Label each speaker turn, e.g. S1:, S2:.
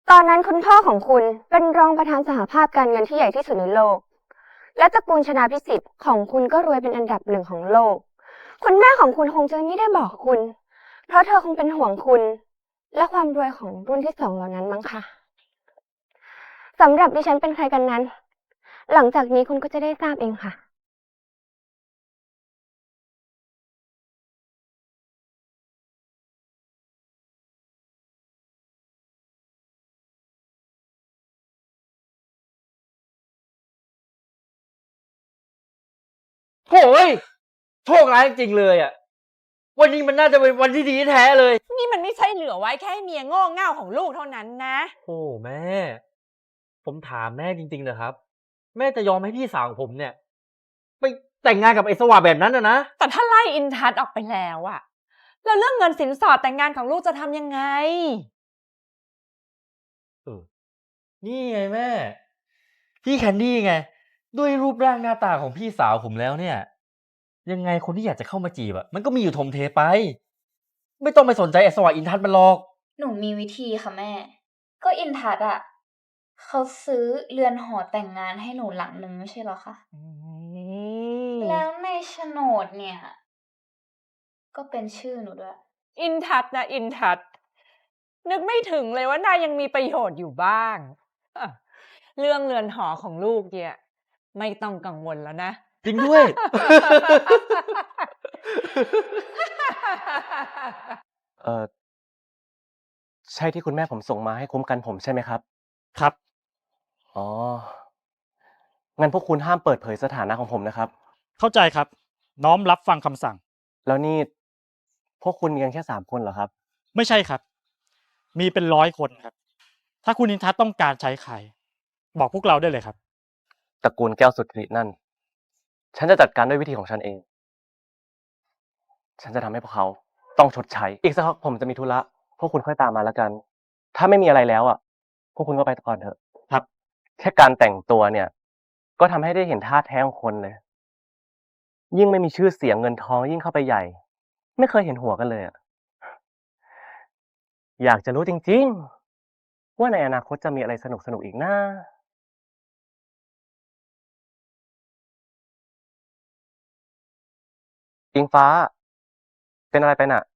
S1: ตอนนั้นคุณพ่อของคุณเป็นรองประธานสหภาพการเงินที่ใหญ่ที่สุดในโลก และตระกูลชนาภิสิทธิ์ของคุณก็รวยเป็นอันดับหนึ่งของโลก คุณแม่ของคุณคงจะไม่ได้บอกคุณ เพราะเธอคงเป็นห่วงคุณและความรวยของรุ่นที่สองเหล่านั้นมั้งคะสำหรับดิฉันเป็นใครกันนั้น หลังจากนี้คุณก็จะได้ทราบเองค่ะ
S2: โถ่โชคร้ายจริงๆเลยอ่ะวันนี้มันน่าจะเป็นวันที่ดีแท้เลย
S3: นี่มันไม่ใช่เหลือไว้แค่ให้เมียโง่เง่าของลูกเท่านั้นนะ
S2: โอ้แม่ ผมถามแม่จริงๆนะครับ แม่จะยอมให้พี่สาวของผมเนี่ยไปแต่งงานกับไอ้สว่าแบบนั้นนะ
S3: แต่ถ้าไล่อินทัศน์ออกไปแล้วอะแล้วเรื่องเงินสินสอดแต่งงานของลูกจะทำยังไง
S2: นี่ไงแม่ พี่แคนดี้ไง ด้วยรูปร่างหน้าตาของพี่สาวผมแล้วเนี่ย ยังไงคนที่อยากจะเข้ามาจีบอะมันก็มีอยู่ทมเทไป ไม่ต้องไปสนใจไอ้สว่าอินทัศน์มันหรอก
S4: หนูมีวิธีค่ะแม่ ก็อินทัศน์อ่ะเขาซื้อเรือนหอแต่งงานให้หนูหลังนึงไม่ใช่เหรอคะ แล้วในโฉนดเนี่ย ก็เป็นชื่อหนูด้วย
S3: อินทัศน์นะอินทัศน์นึกไม่ถึงเลยว่านายยังมีประโยชน์อยู่บ้างอ่ะเรื่องเรือนหอของลูกเนี่ยไม่ต้องกังวลแล้วนะ
S2: จริงด้วย
S5: เอ่อใช่ที่คุณแม่ผมส่งมาให้คุ้มกันผมใช่ไหมครับ
S6: ครับ
S5: อ๋อ งั้นพวกคุณห้ามเปิดเผยสถานะของผมนะครับ
S6: เข้าใจครับ น้อมรับฟังคำสั่ง
S5: แล้วนี่พวกคุณมีกันแค่3 คนเหรอครับ
S6: ไม่ใช่ครับ มีเป็น100 คนครับ ถ้าคุณนินทัศน์ต้องการใช้ใคร บอกพวกเราได้เลยครับ
S5: ตระกูลแก้วสุทธินั่น ฉันจะจัดการด้วยวิธีของฉันเอง ฉันจะทำให้พวกเขาต้องชดใช้ อีกสักพักผมจะมีธุระ พวกคุณค่อยตามมาแล้วกัน ถ้าไม่มีอะไรแล้วอ่ะ พวกคุณก็ไปก่อนเถอะ
S6: ครับ
S5: แค่การแต่งตัวเนี่ย ก็ทำให้ได้เห็นท่าแท้ของคนเลย ยิ่งไม่มีชื่อเสียงเงินทองยิ่งเข้าไปใหญ่ ไม่เคยเห็นหัวกันเลยอ่ะ อยากจะรู้จริงๆ ว่าในอนาคตจะมีอะไรสนุกๆอีกนะอิงฟ้า เป็นอะไรไปน่ะ